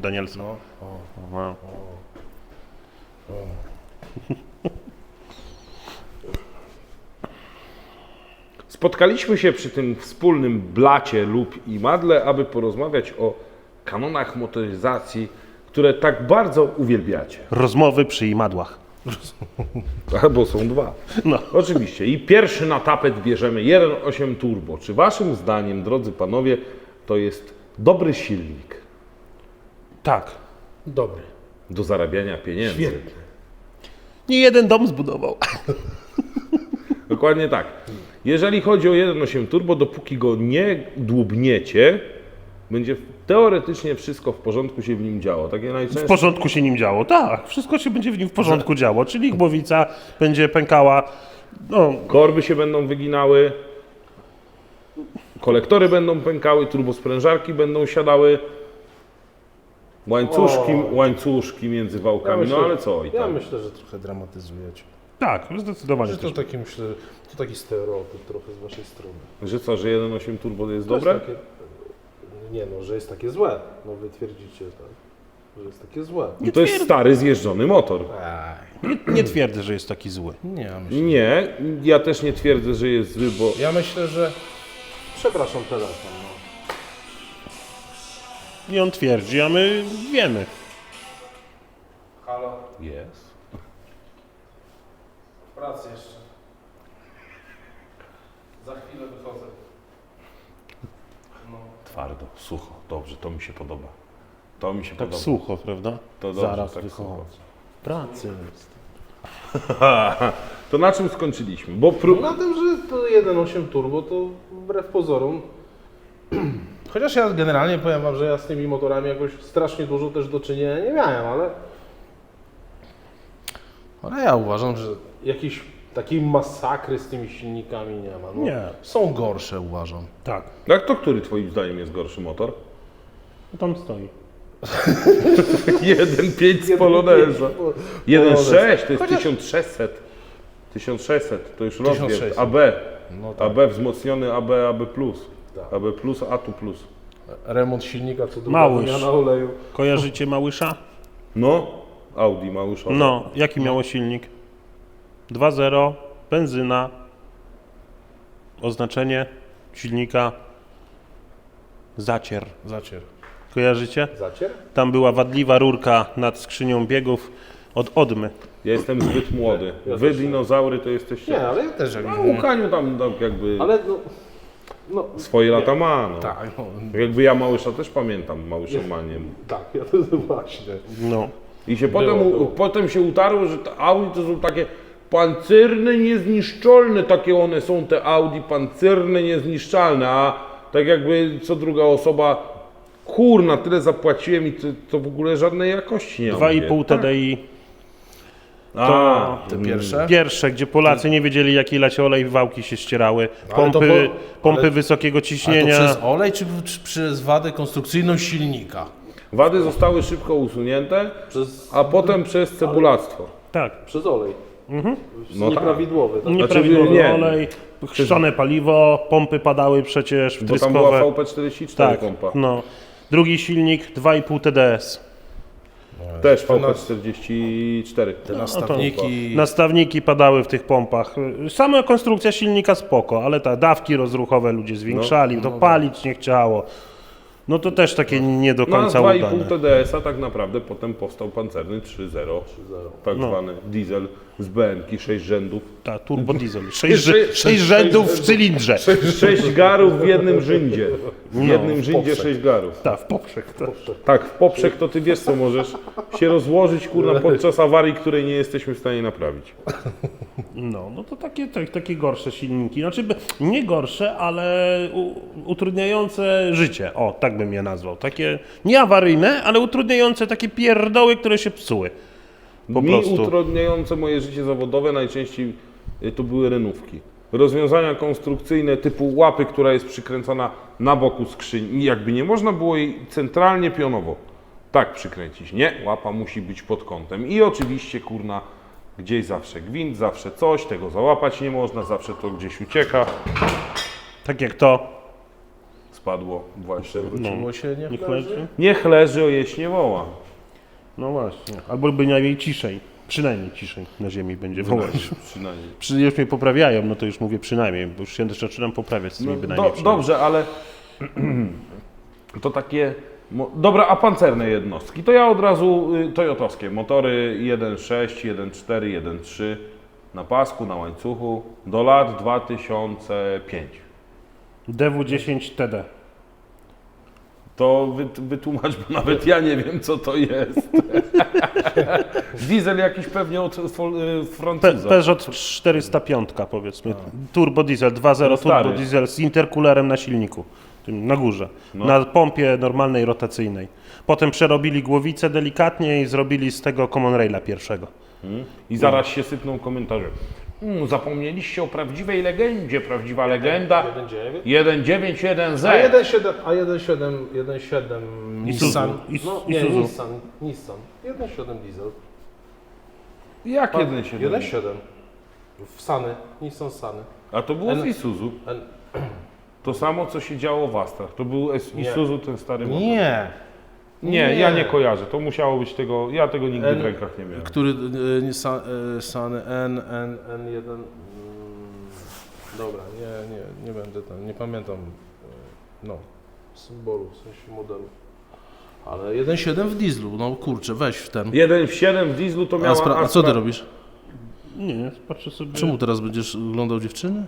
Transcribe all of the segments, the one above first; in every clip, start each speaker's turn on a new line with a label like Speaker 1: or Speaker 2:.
Speaker 1: Danielsa.
Speaker 2: No.
Speaker 1: No.
Speaker 3: Spotkaliśmy się przy tym wspólnym blacie lub i madle, aby porozmawiać o kanonach motoryzacji, które tak bardzo uwielbiacie.
Speaker 1: Rozmowy przy imadłach.
Speaker 3: Albo są dwa.
Speaker 1: No.
Speaker 3: Oczywiście. I pierwszy na tapet bierzemy 1.8 turbo. Czy waszym zdaniem, drodzy panowie, to jest dobry silnik
Speaker 1: Tak.
Speaker 2: Dobry.
Speaker 3: do zarabiania pieniędzy?
Speaker 2: Świetny.
Speaker 1: Nie jeden dom zbudował.
Speaker 3: Dokładnie tak. Jeżeli chodzi o 1.8 turbo, dopóki go nie dłubniecie, będzie teoretycznie wszystko w porządku się w nim działo. Takie
Speaker 1: W
Speaker 3: najczęstsze...
Speaker 1: porządku się nim działo, tak. Wszystko się będzie w nim w porządku działo, czyli głowica będzie pękała. No,
Speaker 3: Korby się będą wyginały, kolektory będą pękały, turbosprężarki będą siadały, łańcuszki między wałkami, no ale co i
Speaker 2: Ja
Speaker 3: tam.
Speaker 2: myślę, że trochę dramatyzujecie.
Speaker 1: tak, zdecydowanie
Speaker 2: Że to
Speaker 1: też.
Speaker 2: taki, myślę, to taki stereotyp trochę z waszej strony.
Speaker 3: Że co, że 1.8 turbo jest
Speaker 2: To jest
Speaker 3: dobre?
Speaker 2: takie, nie no, że jest takie złe. No wy twierdzicie tak, że jest takie złe.
Speaker 3: No to jest stary, zjeżdżony motor.
Speaker 1: Nie twierdzę, że jest taki zły.
Speaker 2: Nie, ja myślę.
Speaker 3: Nie, ja też nie twierdzę, że jest zły, bo
Speaker 2: Ja myślę, że... Przepraszam, telefon. No.
Speaker 1: I on twierdzi, a my wiemy.
Speaker 2: Halo?
Speaker 3: jest.
Speaker 2: W pracy jeszcze. Za chwilę wychodzę. No.
Speaker 3: Twardo, sucho, dobrze, to mi się podoba. To mi się
Speaker 1: Tak
Speaker 3: podoba.
Speaker 1: sucho, prawda?
Speaker 3: To dobrze,
Speaker 1: Zaraz
Speaker 3: tak
Speaker 1: wychodzę.
Speaker 3: sucho.
Speaker 1: Pracy.
Speaker 3: To na czym skończyliśmy? Bo
Speaker 2: Na tym, że to 1.8 turbo to wbrew pozorom, chociaż ja generalnie powiem wam, że ja z tymi motorami jakoś strasznie dużo też do czynienia nie miałem, ale ja uważam, że jakiejś takiej masakry z tymi silnikami nie ma. No,
Speaker 1: Nie.
Speaker 2: Są gorsze, uważam.
Speaker 1: Tak,
Speaker 3: jak to który twoim zdaniem jest gorszy motor?
Speaker 1: tam stoi.
Speaker 3: 1.5 z Poloneza. 1.6 to jest
Speaker 2: Chociaż-
Speaker 3: 1600. 1600 to już rozmiar
Speaker 2: 1600.
Speaker 3: AB.
Speaker 2: No tak.
Speaker 3: AB wzmocniony AB, AB+.
Speaker 2: Tak.
Speaker 3: AB+, A2+.
Speaker 2: Remont silnika, co druga
Speaker 1: Małysz.
Speaker 2: wymiana oleju.
Speaker 1: Kojarzycie Małysza?
Speaker 3: No, Audi Małyszowe.
Speaker 1: No, jaki miało silnik? 2.0, benzyna, oznaczenie silnika zacier.
Speaker 2: Zacier.
Speaker 1: Kojarzycie?
Speaker 2: Zacier?
Speaker 1: Tam była wadliwa rurka nad skrzynią biegów od odmy.
Speaker 3: Ja jestem zbyt młody.
Speaker 2: Ja
Speaker 3: Wy
Speaker 2: też nie.
Speaker 3: dinozaury to jesteście...
Speaker 2: Nie, ale ja też jak
Speaker 3: No, Łukaniu tam jakby
Speaker 2: Ale no
Speaker 3: swoje lata ma. No.
Speaker 2: tak, no,
Speaker 3: Jakby ja Małysza też pamiętam, Małyszomaniem.
Speaker 2: tak, ja to właśnie.
Speaker 1: No.
Speaker 3: I się
Speaker 2: Było.
Speaker 3: potem się utarło, że te Audi to są takie pancerne, niezniszczalne, takie one są te Audi, pancerne, niezniszczalne, a tak jakby co druga osoba, kurna, tyle zapłaciłem i to w ogóle żadnej jakości nie ma.
Speaker 1: 2,5 TDI.
Speaker 3: A,
Speaker 2: Te pierwsze?
Speaker 1: Pierwsze, gdzie Polacy nie wiedzieli jaki lać olej, wałki się ścierały,
Speaker 2: Ale to
Speaker 1: pompy
Speaker 2: ale-
Speaker 1: wysokiego
Speaker 2: Ale to
Speaker 1: ciśnienia.
Speaker 2: przez olej czy przez wadę konstrukcyjną silnika?
Speaker 3: wady zostały szybko usunięte, a potem przez cebulactwo.
Speaker 1: Tak,
Speaker 2: Przez olej.
Speaker 3: No
Speaker 2: Nieprawidłowy. Tak?
Speaker 1: nieprawidłowy
Speaker 3: nie.
Speaker 1: olej, chrzczone paliwo, pompy padały przecież
Speaker 3: Bo tam była
Speaker 1: wtryskowe.
Speaker 3: VP44
Speaker 1: Tak,
Speaker 3: pompa.
Speaker 1: no. Drugi silnik 2,5 TDS.
Speaker 3: Też
Speaker 2: Te
Speaker 3: VP44.
Speaker 2: Te nastawniki.
Speaker 1: Nastawniki padały w tych pompach. Sama konstrukcja silnika spoko, ale te dawki rozruchowe ludzie zwiększali, to palić nie chciało. No to też takie nie do
Speaker 3: No a z
Speaker 1: końca
Speaker 3: 2,5
Speaker 1: udane.
Speaker 3: TDS-a tak naprawdę potem powstał pancerny 3.0. Tak zwany diesel z BM-ki, 6 rzędów.
Speaker 1: Ta, turbo diesel.
Speaker 3: Sześć-
Speaker 1: 6 rzędów w cylindrze.
Speaker 3: 6 garów w jednym rzędzie. W jednym rzędzie
Speaker 2: poprzek.
Speaker 3: 6 garów.
Speaker 1: Tak, w poprzek. To.
Speaker 3: Tak, w poprzek to ty wiesz co możesz się rozłożyć kurna podczas awarii, której nie jesteśmy w stanie naprawić.
Speaker 1: No to takie gorsze silniki. Znaczy nie gorsze, ale utrudniające życie. O, tak bym je nazwał. Takie nie awaryjne, ale utrudniające takie pierdoły, które się psuły. Po
Speaker 3: Mi
Speaker 1: prostu.
Speaker 3: utrudniające moje życie zawodowe najczęściej to były renówki. Rozwiązania konstrukcyjne typu łapy, która jest przykręcona na boku skrzyni. Jakby nie można było jej centralnie pionowo tak przykręcić. Nie, łapa musi być pod kątem. I oczywiście kurna gdzieś zawsze gwint, zawsze coś, tego załapać nie można, zawsze to gdzieś ucieka.
Speaker 1: Tak jak to.
Speaker 3: spadło właśnie.
Speaker 2: Wróciło się, nie
Speaker 1: Niech
Speaker 2: leży?
Speaker 1: leży.
Speaker 3: Niech leży, o jeść nie woła.
Speaker 1: No właśnie. Albo bynajmniej ciszej. Przynajmniej ciszej na ziemi będzie wołać.
Speaker 3: Przynajmniej.
Speaker 1: Już mnie poprawiają, no to już mówię przynajmniej, bo już się też zaczynam poprawiać z tymi bynajmniej. przynajmniej.
Speaker 3: Dobrze, ale to takie... Dobra, a pancerne jednostki? To ja od razu toyotowskie. Motory 1.6, 1.4, 1.3 na pasku, na łańcuchu do lat 2005.
Speaker 1: DW10 TD.
Speaker 3: To wytłumacz, bo nawet ja nie wiem, co to jest. Diesel jakiś pewnie od Francuza.
Speaker 1: Peugeot 405 powiedzmy. Turbo diesel, 2.0
Speaker 3: No stary.
Speaker 1: turbo diesel z intercoolerem na silniku. Tym na górze.
Speaker 3: No.
Speaker 1: Na pompie normalnej, rotacyjnej. Potem przerobili głowicę delikatnie i zrobili z tego Common Raila pierwszego.
Speaker 3: I zaraz się sypną komentarze. Zapomnieliście o prawdziwej legendzie. Prawdziwa legenda
Speaker 2: 1.9?
Speaker 3: 1.9.1Z.
Speaker 2: A 1.7 Nissan. No, nie,
Speaker 1: Isuzu.
Speaker 2: Nissan. 1.7 diesel.
Speaker 3: Jak 1.7?
Speaker 2: 1.7. W Sany. Nissan Sany.
Speaker 3: A to było w
Speaker 2: N-
Speaker 3: Isuzu.
Speaker 2: N-
Speaker 3: To samo, co się działo w Astrach. To był Isuzu, ten stary motor.
Speaker 2: Nie.
Speaker 3: Nie, ja nie kojarzę. To musiało być tego. Ja tego nigdy w rękach nie miałem.
Speaker 2: Który Sany N1. Dobra, nie będę tam, nie pamiętam symbolu, w sensie modelu. Ale 1.7 w dieslu, no kurczę, weź w ten.
Speaker 3: 1.7 w dieslu to miała
Speaker 2: A co ty robisz?
Speaker 1: Nie, patrzę sobie.
Speaker 2: Czemu teraz będziesz oglądał dziewczyny?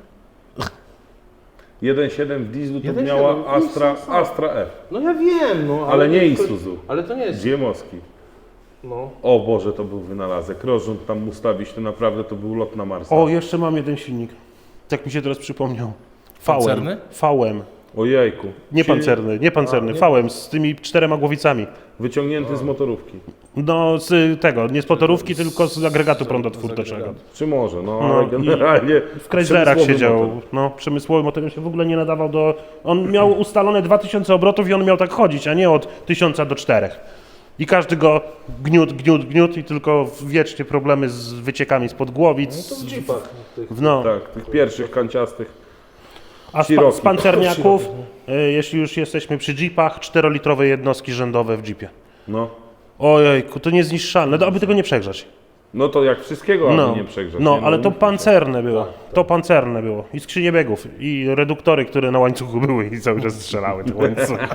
Speaker 3: 1.7 w dieslu to
Speaker 2: 1.7
Speaker 3: miała
Speaker 2: w
Speaker 3: Astra F.
Speaker 2: No ja wiem, no.
Speaker 3: Ale nie Isuzu.
Speaker 2: Ale to nie jest.
Speaker 3: Ziemowski.
Speaker 2: No.
Speaker 3: O Boże, to był wynalazek. Rozrząd tam ustawić, to naprawdę to był lot na Marsa.
Speaker 1: O, jeszcze mam jeden silnik. Tak mi się teraz przypomniał.
Speaker 2: Pancerny?
Speaker 1: VM.
Speaker 3: Ojejku.
Speaker 1: Nie
Speaker 3: Czyli
Speaker 1: pancerny, nie pancerny, VM z tymi 4 głowicami.
Speaker 3: Wyciągnięty z motorówki.
Speaker 1: No z tego, nie z motorówki, tylko z agregatu prądotwórczego.
Speaker 3: Czy może, no,
Speaker 1: No
Speaker 3: ale
Speaker 1: i
Speaker 3: generalnie...
Speaker 1: W Chryslerach
Speaker 3: przemysłowy
Speaker 1: siedział,
Speaker 3: motor.
Speaker 1: no przemysłowy motor się w ogóle nie nadawał do... On miał ustalone 2000 obrotów i on miał tak chodzić, a nie od 1000 do 4. I każdy go gniótł i tylko wiecznie problemy z wyciekami spod głowic.
Speaker 2: To w jeepach.
Speaker 1: No.
Speaker 3: Tak, tych pierwszych kanciastych.
Speaker 1: A
Speaker 3: Cherokee.
Speaker 1: z pancerniaków, jeśli już jesteśmy przy jeepach, 4-litrowe jednostki rzędowe w jeepie.
Speaker 3: No.
Speaker 1: Ojejku, to niezniszczalne, no, aby tego nie przegrzać.
Speaker 3: No to jak wszystkiego, aby
Speaker 1: No,
Speaker 3: nie przegrzać.
Speaker 1: no
Speaker 3: nie?
Speaker 1: ale to
Speaker 3: mówmy się.
Speaker 1: pancerne było. To pancerne było. I skrzynie biegów, i reduktory, które na łańcuchu były i cały czas strzelały te łańcuchy.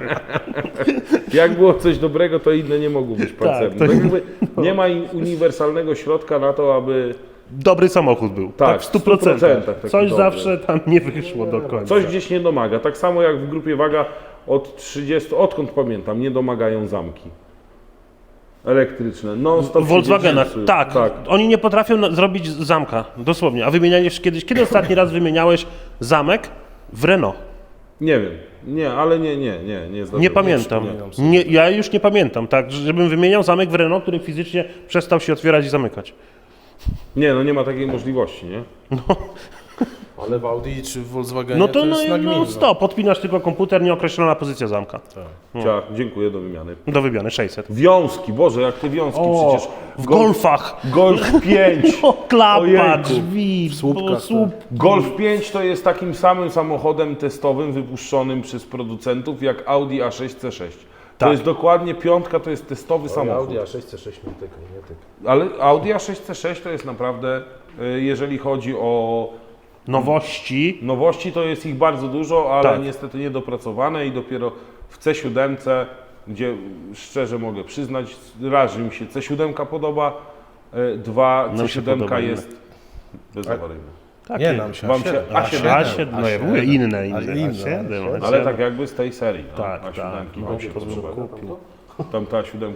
Speaker 3: Jak było coś dobrego, to inne nie mogło być pancerne.
Speaker 1: to-
Speaker 3: Tak jakby nie ma uniwersalnego środka na to, aby
Speaker 1: Dobry samochód był.
Speaker 3: Tak,
Speaker 1: w
Speaker 3: w
Speaker 1: 100%.
Speaker 3: 100% taki
Speaker 1: Coś
Speaker 3: dobry.
Speaker 1: zawsze tam nie wyszło do końca.
Speaker 3: coś gdzieś nie domaga. Tak samo jak w grupie Waga od 30, odkąd pamiętam, nie domagają zamki elektryczne. No,
Speaker 1: W Volkswagenach, tak. Oni nie potrafią zrobić zamka, dosłownie. A wymieniałeś kiedyś, kiedy ostatni raz wymieniałeś zamek w Renault?
Speaker 3: Nie wiem. Nie, ale nie zdarzyło.
Speaker 1: Nie pamiętam. Nie, ja już nie pamiętam, tak, żebym wymieniał zamek w Renault, który fizycznie przestał się otwierać i zamykać.
Speaker 3: Nie, no nie ma takiej możliwości, nie?
Speaker 2: Ale w Audi czy w Volkswagenie
Speaker 1: No to
Speaker 2: jest
Speaker 1: no
Speaker 2: nagminne.
Speaker 1: stop, podpinasz tylko komputer, nieokreślona pozycja zamka.
Speaker 3: Ciach, dziękuję, do wymiany.
Speaker 1: Do wymiany 600.
Speaker 3: Wiązki, Boże, jak te wiązki
Speaker 1: O,
Speaker 3: przecież.
Speaker 1: w Golfach.
Speaker 3: Golf 5.
Speaker 1: O, klapa,
Speaker 3: Ojejku.
Speaker 1: drzwi,
Speaker 2: słupkach,
Speaker 1: słup.
Speaker 3: Golf 5 to jest takim samym samochodem testowym wypuszczonym przez producentów jak Audi A6 C6. To
Speaker 1: Tak.
Speaker 3: jest dokładnie piątka, to jest testowy samochód.
Speaker 2: Audi A6 C6 nie tyka, nie tyka.
Speaker 3: Ale Audi A6 C6 to jest naprawdę, jeżeli chodzi o
Speaker 1: Nowości.
Speaker 3: nowości, to jest ich bardzo dużo, ale
Speaker 1: Tak.
Speaker 3: niestety niedopracowane i dopiero w C7, gdzie szczerze mogę przyznać, raz, że mi się C7 podoba, dwa,
Speaker 1: Nam się
Speaker 3: C7
Speaker 1: podoba
Speaker 3: jest bezawaryjna.
Speaker 1: Tak,
Speaker 2: Nie, nam się
Speaker 3: Wam się
Speaker 2: A7.
Speaker 1: A7, no ja mówię inne,
Speaker 2: A7.
Speaker 1: A7.
Speaker 3: Ale tak jakby z tej serii. No,
Speaker 1: Tak,
Speaker 3: A7
Speaker 1: tak.
Speaker 3: wam się
Speaker 1: No,
Speaker 3: podoba.
Speaker 1: kupił.
Speaker 3: Tam ta 7?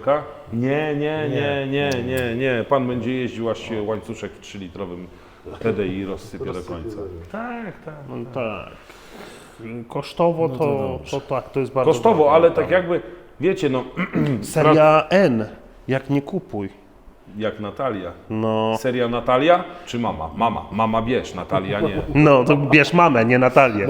Speaker 3: Nie. Pan będzie jeździł, aż się łańcuszek w 3-litrowym TDI rozsypie do końca. Tak.
Speaker 1: No tak. Kosztowo to tak, to jest bardzo
Speaker 3: Kosztowo,
Speaker 1: drogie.
Speaker 3: ale tak jakby, wiecie, no,
Speaker 1: Seria N, jak nie kupuj.
Speaker 3: Jak Natalia.
Speaker 1: No,
Speaker 3: Seria Natalia czy mama? Mama. Mama bierz, Natalia nie.
Speaker 1: no to bierz mamę, nie Natalię.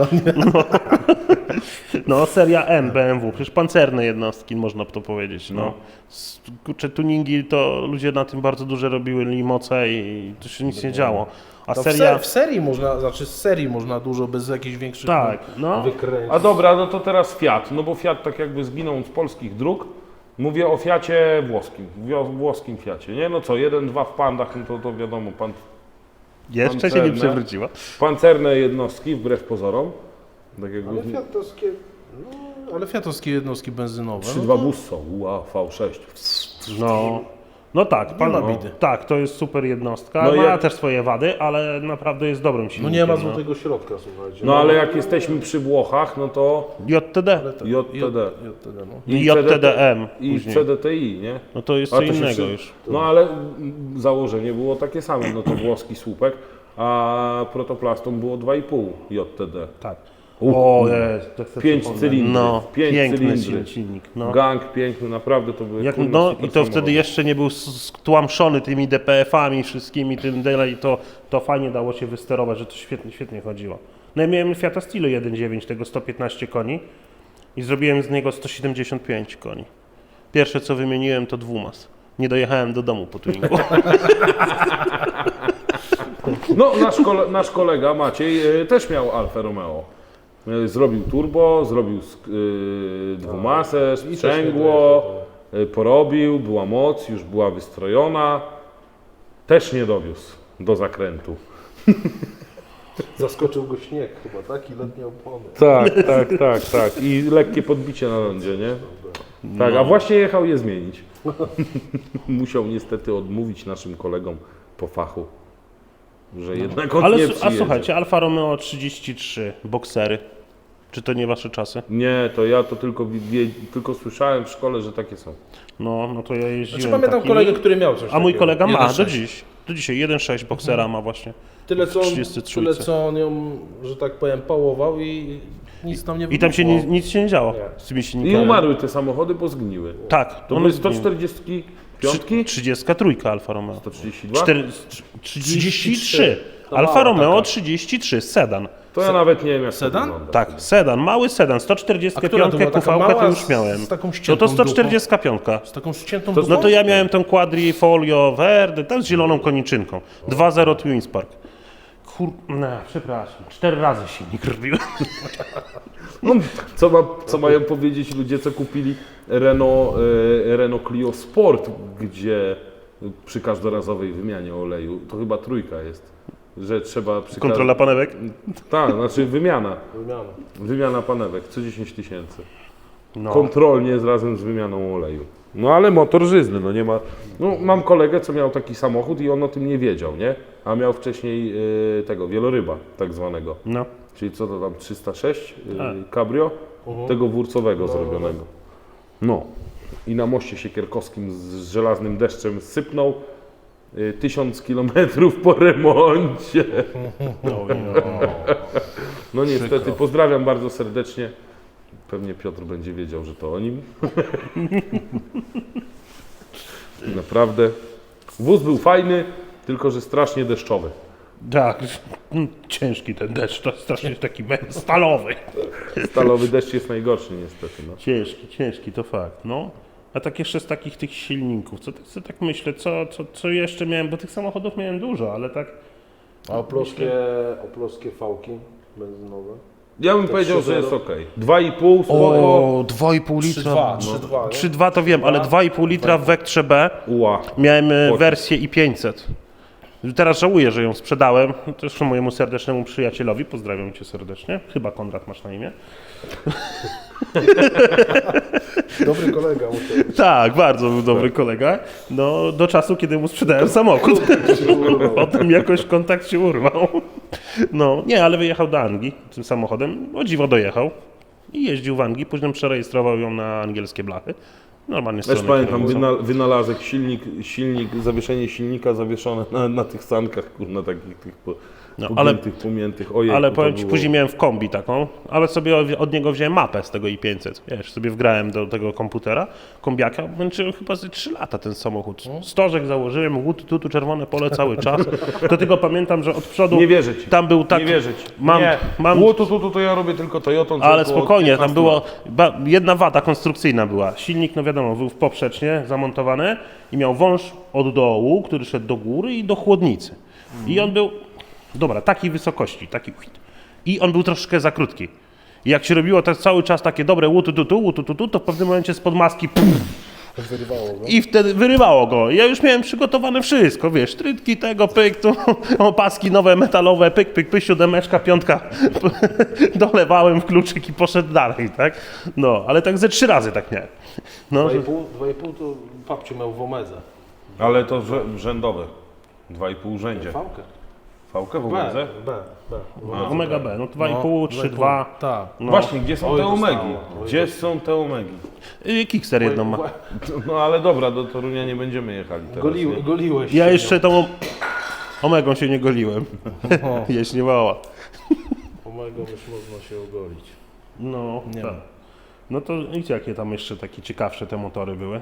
Speaker 1: No, seria M BMW, przecież pancerne jednostki, można by to powiedzieć. No. Kurczę, tuningi to ludzie na tym bardzo duże robili moce i to się nic nie działo. A
Speaker 2: No
Speaker 1: seria...
Speaker 2: w serii można, znaczy z serii można dużo bez jakichś większych
Speaker 1: Tak, no.
Speaker 2: wykręcić.
Speaker 3: A dobra, no to teraz Fiat. No bo Fiat tak jakby zginął z polskich dróg. Mówię o Fiacie włoskim, włoskim Fiacie, nie? No co, 1-2 w Pandach, no to wiadomo,
Speaker 1: Jeszcze się nie
Speaker 3: pancerne.
Speaker 1: przewróciła.
Speaker 3: Pancerne jednostki, wbrew pozorom. Tak jakby
Speaker 2: Ale fiatowskie jednostki benzynowe.
Speaker 3: 3.2 Busso, V6.
Speaker 1: No tak,
Speaker 2: Nie ma bidy.
Speaker 1: tak, to jest super jednostka.
Speaker 3: No
Speaker 1: Ma
Speaker 3: jak-
Speaker 1: też swoje wady, ale naprawdę jest dobrym
Speaker 2: No
Speaker 1: silnikiem.
Speaker 2: nie ma złotego środka, słuchajcie.
Speaker 3: No ale jak jesteśmy przy Włochach, no to
Speaker 1: JTD
Speaker 3: JTD.
Speaker 2: JTD, no.
Speaker 1: i JTDM
Speaker 3: i
Speaker 1: później.
Speaker 3: CDTI, nie?
Speaker 1: No to jest
Speaker 3: A
Speaker 1: co
Speaker 3: to się
Speaker 1: innego
Speaker 3: przy-
Speaker 1: już.
Speaker 3: No ale założenie było takie same, no to włoski słupek, a protoplastom było 2,5 JTD.
Speaker 1: Tak. O, jest, to chcę
Speaker 3: 5
Speaker 1: przypomnieć.
Speaker 3: cylindrów,
Speaker 1: No,
Speaker 3: 5
Speaker 1: piękny
Speaker 3: cylindry.
Speaker 1: silnik. No.
Speaker 3: Gang piękny, naprawdę to były
Speaker 1: Jak,
Speaker 3: kurwa
Speaker 1: no
Speaker 3: super
Speaker 1: i to wtedy
Speaker 3: samochody.
Speaker 1: jeszcze nie był stłamszony tymi DPF-ami wszystkimi, tym dalej, to fajnie dało się wysterować, że to świetnie chodziło. No ja miałem Fiata Stilo 1.9, tego 115 koni i zrobiłem z niego 175 koni. Pierwsze co wymieniłem to dwumas. Nie dojechałem do domu po tuningu.
Speaker 3: No nasz kolega Maciej też miał Alfa Romeo. Zrobił turbo, zrobił dwumasę, sprzęgło, porobił, była moc, już była wystrojona. Też nie dowiózł do zakrętu.
Speaker 2: Zaskoczył go śnieg chyba, tak? I letnie opony.
Speaker 3: Tak. I lekkie podbicie na lądzie, nie? Tak, a właśnie jechał je zmienić. Musiał niestety odmówić naszym kolegom po fachu, że jednak on
Speaker 1: Ale
Speaker 3: nie
Speaker 1: a
Speaker 3: przyjedzie.
Speaker 1: słuchajcie, Alfa Romeo 33, boksery. Czy to nie wasze czasy?
Speaker 3: Nie, to ja to tylko słyszałem w szkole, że takie są.
Speaker 1: No to ja jeździłem
Speaker 2: Znaczy pamiętam
Speaker 1: takimi.
Speaker 2: kolegę, który miał coś
Speaker 1: A mój
Speaker 2: takiego.
Speaker 1: kolega ma
Speaker 2: 1.6.
Speaker 1: do dziś. Do dzisiaj 1.6 boksera ma właśnie.
Speaker 2: Tyle co, on,
Speaker 1: 33.
Speaker 2: tyle co on ją, że tak powiem, pałował i nic tam nie
Speaker 1: I tam się
Speaker 2: wybuchło.
Speaker 1: nic się nie działo
Speaker 2: Nie.
Speaker 1: z tymi
Speaker 3: I
Speaker 1: silnikami.
Speaker 3: umarły te samochody, bo zgniły.
Speaker 1: Tak,
Speaker 3: To
Speaker 1: one
Speaker 3: były
Speaker 1: zgniły.
Speaker 3: 145?
Speaker 1: 33 Alfa Romeo.
Speaker 3: 132?
Speaker 1: 33.
Speaker 2: To
Speaker 1: Alfa
Speaker 2: mała
Speaker 1: Romeo
Speaker 2: taka.
Speaker 1: 33, sedan.
Speaker 3: To ja nawet nie wiem jak
Speaker 2: Sedan?
Speaker 3: to wygląda.
Speaker 1: Tak, sedan, mały sedan,
Speaker 2: A która
Speaker 1: 145
Speaker 2: to była? Taka
Speaker 1: QV,
Speaker 2: mała
Speaker 1: to już miałem.
Speaker 2: z taką
Speaker 1: No
Speaker 2: ściętą
Speaker 1: to 145.
Speaker 2: Z taką ściętą
Speaker 1: No to ja miałem tą Quadrifoglio Verde, tam z zieloną koniczynką. 2.0 Twin Spark. Przepraszam, 4 razy silnik robiłem.
Speaker 3: No, co mają powiedzieć ludzie, co kupili Renault Clio Sport, gdzie przy każdorazowej wymianie oleju, to chyba trójka jest, że trzeba przy
Speaker 1: Kontrola panewek?
Speaker 3: Tak, znaczy
Speaker 2: Wymiana.
Speaker 3: wymiana panewek co 10 000.
Speaker 1: No.
Speaker 3: Kontrolnie razem z wymianą oleju. No ale motor żyzny, no nie ma... No mam kolegę, co miał taki samochód i on o tym nie wiedział, nie? A miał wcześniej tego, wieloryba tak zwanego.
Speaker 1: No.
Speaker 3: Czyli co to tam, 306 cabrio? Tego wórcowego zrobionego. No. I na moście siekierkowskim z żelaznym deszczem sypnął 1000 kilometrów po remoncie. No niestety, pozdrawiam bardzo serdecznie. Pewnie Piotr będzie wiedział, że to o nim. Naprawdę. Wóz był fajny, tylko że strasznie deszczowy.
Speaker 1: Tak, ciężki ten deszcz, to strasznie taki stalowy.
Speaker 3: Stalowy deszcz jest najgorszy niestety. No.
Speaker 1: Ciężki, to fakt, no. A tak jeszcze z takich tych silników, co tak myślę, co jeszcze miałem, bo tych samochodów miałem dużo, ale tak...
Speaker 2: A oploskie fałki benzynowe?
Speaker 3: Ja bym powiedział, że jest ok. 2,5 spoko.
Speaker 1: 2,5 litra.
Speaker 2: 3,2, nie?
Speaker 1: 3,2 to wiem, ale 2,5 litra w Vectrze B
Speaker 3: Ła.
Speaker 1: miałem
Speaker 3: Pocisk.
Speaker 1: wersję i500. Teraz żałuję, że ją sprzedałem. Zresztą mojemu serdecznemu przyjacielowi, pozdrawiam cię serdecznie. Chyba Konrad masz na imię.
Speaker 2: Dobry kolega musiał być.
Speaker 1: Tak, bardzo był dobry kolega. No, do czasu, kiedy mu sprzedałem samochód. Potem jakoś kontakt się urwał. No, nie, ale wyjechał do Anglii tym samochodem. O dziwo dojechał. I jeździł w Anglii. Później przerejestrował ją na angielskie blachy. Normalnie
Speaker 3: Też
Speaker 1: strony
Speaker 3: pamiętam
Speaker 1: kierowca.
Speaker 3: wynalazek, silnik, zawieszenie silnika zawieszone na tych sankach, kurna, takich tych
Speaker 1: No,
Speaker 3: pomiętych. Ojej,
Speaker 1: Ale powiem Ci, później miałem w kombi taką, ale sobie od niego wziąłem mapę z tego i500. Wiesz, sobie wgrałem do tego komputera, kombiaka, męczyłem chyba ze 3 lata ten samochód. Stożek założyłem, tu czerwone pole cały czas. To tylko pamiętam, że od przodu
Speaker 3: Nie wierzę Ci.
Speaker 1: tam był tak...
Speaker 3: Nie wierzę Ci.
Speaker 1: Mam,
Speaker 3: To ja robię tylko Toyotą. co
Speaker 1: ale
Speaker 3: około
Speaker 1: spokojnie,
Speaker 3: 15
Speaker 1: tam było
Speaker 3: lat.
Speaker 1: jedna wada konstrukcyjna była. Silnik, no wiadomo, był poprzecznie zamontowany i miał wąż od dołu, który szedł do góry i do chłodnicy. I on był, dobra, takiej wysokości, taki i on był troszkę za krótki. I jak się robiło tak cały czas takie dobre łutu, to w pewnym momencie spod maski
Speaker 2: Wyrywało go.
Speaker 1: i wtedy wyrywało go. Ja już miałem przygotowane wszystko, wiesz, trytki tego, pyk, tu, opaski nowe, metalowe, pyk, siódemeczka, piątka, dolewałem w kluczyk i poszedł dalej, tak? No, ale tak ze 3 razy tak miałem. No,
Speaker 2: 2,5 to babciu miał w Omedze.
Speaker 3: Ale to rzędowe. 2,5 rzędzie.
Speaker 2: Fałkę.
Speaker 3: Fałkę w
Speaker 2: B,
Speaker 3: ogóle?
Speaker 2: B.
Speaker 1: Omega B, no 2,5, 3,2.
Speaker 2: Tak.
Speaker 1: No.
Speaker 3: Właśnie, gdzie są
Speaker 2: Oj,
Speaker 3: te
Speaker 2: dostało.
Speaker 3: omegi?
Speaker 2: Oj,
Speaker 3: Gdzie są te omegi?
Speaker 1: Kickster jedną ma.
Speaker 3: No ale dobra, do Torunia nie będziemy jechali teraz. nie?
Speaker 2: Goliłeś
Speaker 1: Ja
Speaker 2: się
Speaker 1: jeszcze tą Omegą się nie goliłem.
Speaker 2: O.
Speaker 1: Jaśniewała.
Speaker 2: Omegą już można się ogolić.
Speaker 1: No,
Speaker 2: Nie
Speaker 1: tak.
Speaker 2: ma.
Speaker 1: No to wiecie, jakie tam jeszcze takie ciekawsze te motory były?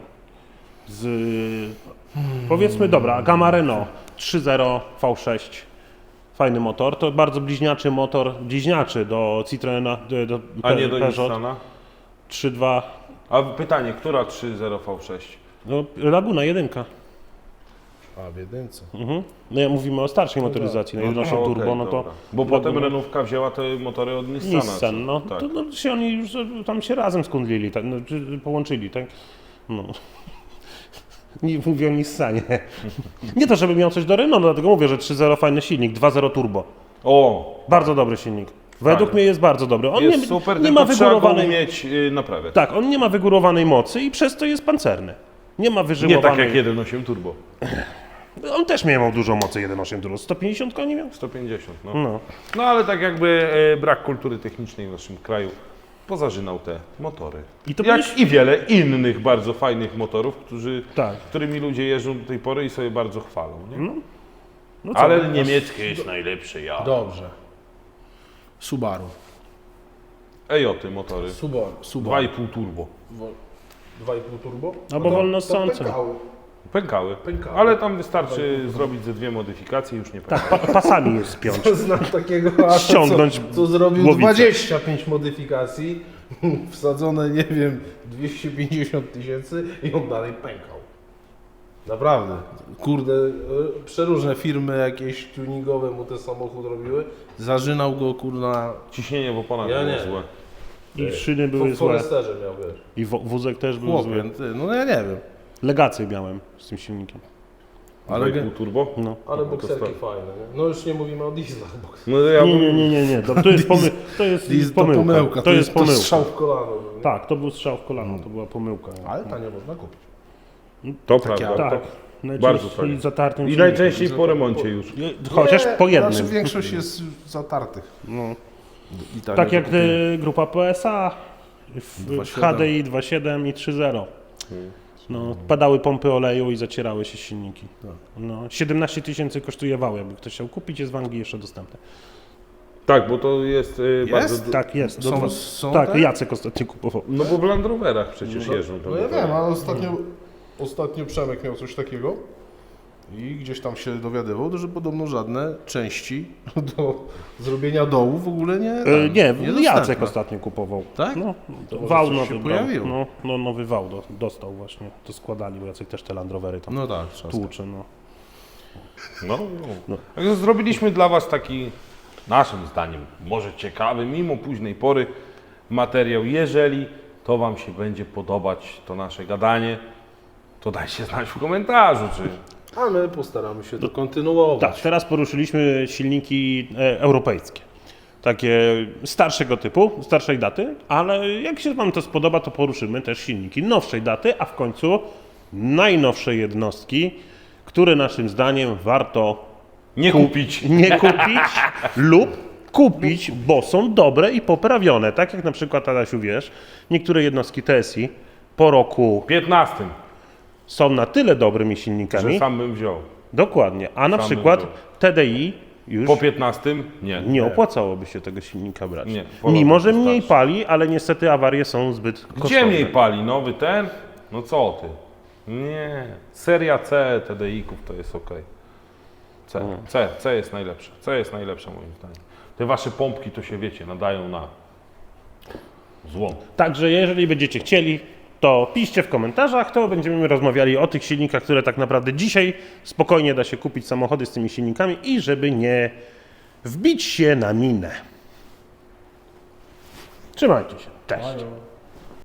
Speaker 1: Powiedzmy, dobra, Gamma Renault 3.0 V6. Fajny motor. To bardzo bliźniaczy do Citroena, do
Speaker 3: A nie do
Speaker 1: Peugeot
Speaker 3: Nissana?
Speaker 1: 3.2.
Speaker 3: A pytanie, która 3.0 V6?
Speaker 1: No, Laguna 1.
Speaker 2: A w jedynce.
Speaker 1: Mhm. No ja mówimy o starszej motoryzacji, na 1.8
Speaker 3: okej,
Speaker 1: turbo, no to...
Speaker 3: dobra. Bo potem Renówka wzięła te motory od Nissana.
Speaker 1: Nissan, no.
Speaker 3: Tak.
Speaker 1: To no, się oni już tam się razem skundlili, tak, no, czy połączyli, tak? No. Nie mówię o Nissanie. Nie to, żeby miał coś do Renault, dlatego mówię, że 3.0 fajny silnik, 2.0 turbo.
Speaker 3: O,
Speaker 1: Bardzo dobry silnik. Według
Speaker 3: Fajny.
Speaker 1: mnie jest bardzo dobry. On
Speaker 3: jest
Speaker 1: nie,
Speaker 3: super,
Speaker 1: nie
Speaker 3: tylko
Speaker 1: ma
Speaker 3: trzeba go
Speaker 1: wygórowanej...
Speaker 3: umieć naprawiać.
Speaker 1: Tak, on nie ma wygórowanej mocy i przez to jest pancerny. Nie ma
Speaker 3: Nie
Speaker 1: wyżyłowanej...
Speaker 3: tak jak 1.8 turbo.
Speaker 1: On też miał dużo mocy 1.8 turbo. 150 koni miał?
Speaker 3: 150, no.
Speaker 1: No.
Speaker 3: No ale tak jakby brak kultury technicznej w naszym kraju pozażynał te motory.
Speaker 1: I to
Speaker 3: Jak
Speaker 1: byłeś-
Speaker 3: i wiele innych bardzo fajnych motorów,
Speaker 1: Tak.
Speaker 3: którymi ludzie jeżdżą do tej pory i sobie bardzo chwalą. Nie?
Speaker 1: No co?
Speaker 3: Ale niemieckie jest najlepsze, ja.
Speaker 2: Dobrze. Subaru.
Speaker 3: Ejoty motory.
Speaker 2: Subaru.
Speaker 3: 2,5 turbo.
Speaker 2: 2,5 turbo?
Speaker 1: Albo
Speaker 2: to-
Speaker 1: wolno
Speaker 2: to
Speaker 1: ssące.
Speaker 2: pękały.
Speaker 3: Pękały.
Speaker 2: Pękały.
Speaker 3: Ale tam wystarczy zrobić ze 2 modyfikacje i już nie pękają.
Speaker 1: Tak, pasami jest spiąć.
Speaker 2: Znam takiego asa,
Speaker 1: Ściągnąć
Speaker 2: co zrobił
Speaker 1: głowicę.
Speaker 2: 25 modyfikacji, wsadzone, nie wiem, 250 tysięcy i on dalej pękał. Naprawdę. Kurde, przeróżne firmy jakieś tuningowe mu ten samochód robiły. Zażynał go, kurna,
Speaker 3: Ciśnienie w oponach
Speaker 2: Ja
Speaker 3: było
Speaker 2: nie.
Speaker 3: złe.
Speaker 1: I szyny były
Speaker 2: w
Speaker 1: złe.
Speaker 2: Foresterze miał, wiesz.
Speaker 1: I wózek też był
Speaker 2: Chłopie,
Speaker 1: zły.
Speaker 2: ty, no ja nie wiem.
Speaker 1: Legację miałem z tym silnikiem.
Speaker 2: Ale,
Speaker 3: 2,5 turbo?
Speaker 1: No.
Speaker 2: ale
Speaker 3: to
Speaker 2: bokserki
Speaker 3: stary.
Speaker 2: fajne, nie? No już nie mówimy o dieslach, bo
Speaker 3: No ja
Speaker 1: Nie. To jest, to jest
Speaker 2: diesel
Speaker 1: pomyłka. To jest pomyłka.
Speaker 2: strzał w kolano. nie?
Speaker 1: Tak, to był strzał w kolano, to była pomyłka.
Speaker 2: Ale tanio można kupić.
Speaker 3: To prawda.
Speaker 2: auto.
Speaker 1: Tak,
Speaker 3: Bardzo
Speaker 1: najczęściej
Speaker 3: fajnie.
Speaker 1: zatartym
Speaker 3: I
Speaker 1: silnikiem.
Speaker 3: najczęściej po remoncie już.
Speaker 1: Chociaż po jednym.
Speaker 2: Znaczy większość jest zatartych.
Speaker 1: No.
Speaker 2: I tanio
Speaker 1: Tak jak
Speaker 2: kupię.
Speaker 1: grupa PSA w
Speaker 2: 2.7.
Speaker 1: HDI 2.7 i 3.0. No, padały pompy oleju i zacierały się silniki. No, 17 tysięcy kosztuje wał, jakby ktoś chciał kupić, jest w Anglii jeszcze dostępny.
Speaker 3: Tak, bo to jest, bardzo...
Speaker 1: Tak, jest.
Speaker 2: Są
Speaker 1: tak,
Speaker 2: te?
Speaker 1: Jacek ostatnio kupował.
Speaker 3: No bo w Land Roverach przecież jeżdżą. tam
Speaker 2: No ja
Speaker 3: motory.
Speaker 2: wiem, ale ostatnio Przemek miał coś takiego i gdzieś tam się dowiadywał, że podobno żadne części do zrobienia dołu w ogóle nie.
Speaker 1: Nie, Jacek ostatnio kupował.
Speaker 2: Tak?
Speaker 1: No,
Speaker 2: To może
Speaker 1: wał
Speaker 2: coś
Speaker 1: nowy
Speaker 2: się
Speaker 1: brał.
Speaker 2: pojawiło.
Speaker 1: No, nowy wał dostał właśnie. To składali, bo Jacek też te Land Rovery tam
Speaker 2: No tak, trzeba.
Speaker 1: tłucze. No.
Speaker 3: No. Także zrobiliśmy dla Was taki, naszym zdaniem, może ciekawy, mimo późnej pory materiał. Jeżeli to Wam się będzie podobać, to nasze gadanie, to dajcie znać w komentarzu, czy...
Speaker 2: A my postaramy się to kontynuować.
Speaker 1: Tak, teraz poruszyliśmy silniki europejskie. Takie starszego typu, starszej daty, ale jak się Wam to spodoba, to poruszymy też silniki nowszej daty, a w końcu najnowsze jednostki, które naszym zdaniem warto
Speaker 3: Nie kupić.
Speaker 1: nie kupić lub kupić, bo są dobre i poprawione. Tak jak na przykład, Adasiu, wiesz, niektóre jednostki TSI po roku
Speaker 3: 15,
Speaker 1: są na tyle dobrymi silnikami.
Speaker 3: że sam bym wziął.
Speaker 1: Dokładnie. A na
Speaker 3: Sam
Speaker 1: przykład
Speaker 3: bym
Speaker 1: TDI już
Speaker 3: Po 15? Nie.
Speaker 1: nie opłacałoby się tego silnika brać.
Speaker 3: Nie, po
Speaker 1: Mimo,
Speaker 3: roku
Speaker 1: że mniej
Speaker 3: wystarczy.
Speaker 1: pali, ale niestety awarie są zbyt kosztowne.
Speaker 3: Gdzie mniej pali? Nowy ten? No co ty? Nie. Seria C TDI-ków to jest ok. C jest najlepsze. C jest najlepsze moim zdaniem. Te wasze pompki to się wiecie, nadają na złom.
Speaker 1: Także jeżeli będziecie chcieli, to piszcie w komentarzach, to będziemy rozmawiali o tych silnikach, które tak naprawdę dzisiaj spokojnie da się kupić samochody z tymi silnikami i żeby nie wbić się na minę. Trzymajcie się. Cześć.